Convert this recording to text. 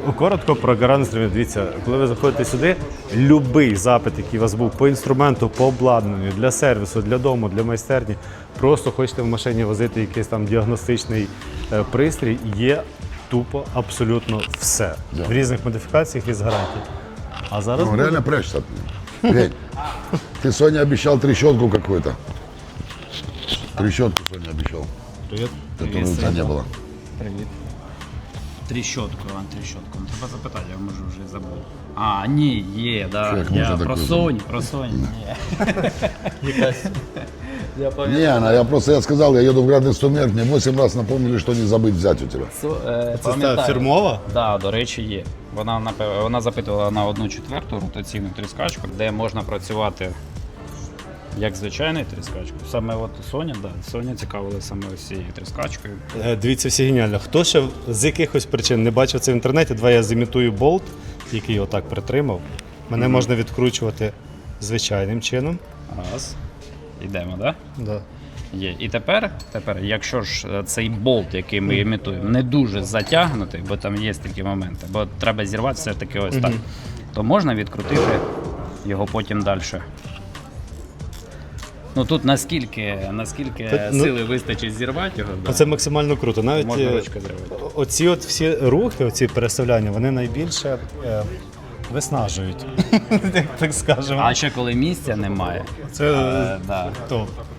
коротко про гаражний інструмент. Дивіться, коли ви заходите сюди, будь-який запит, який у вас був по інструменту, по обладнанню, для сервісу, для дому, для майстерні, просто хочете в машині возити якийсь там діагностичний пристрій, є тупо абсолютно все. Да. В різних модифікаціях і з гарантією. А зараз Он реально прячется. Глянь, ты Соне обещал трещотку какую-то. Трещотку Соне обещал. Которой у тебя не было. Привіт. Тріщотку, Іван, тріщотку. Треба запитати, я може вже забув. А, ні, є, да. Як Я можна про таке Sony, ні. Якась. Я пам'ятаю. Не, я просто сказал, я еду в Гранд Инструмент, мне 8 раз напомнили, что не забыть взять у тебя. це фірмова? Так, до речі, є. Вона запитувала на 1/4 ротаційну тріскачку, де можна працювати як звичайною тріскачкою. Саме от Sony цікавила саме ось цією тріскачкою. Дивіться, всі геніально. Хто ще з якихось причин не бачив це в інтернеті, давай я зімітую болт, який отак притримав. Мене можна відкручувати звичайним чином. Раз. Йдемо, так? Да. Є. І тепер, якщо ж цей болт, який ми імітуємо, не дуже затягнутий, бо там є такі моменти, бо треба зірвати все ж таки ось так, то можна відкрутити його потім далі. Ну тут наскільки сили вистачить зірвати його, да, Це максимально круто. Навіть можна ручка зірвати. оці от всі рухи, оці переставляння, вони найбільше виснажують, так скажемо. А ще коли місця немає, Це да. топ.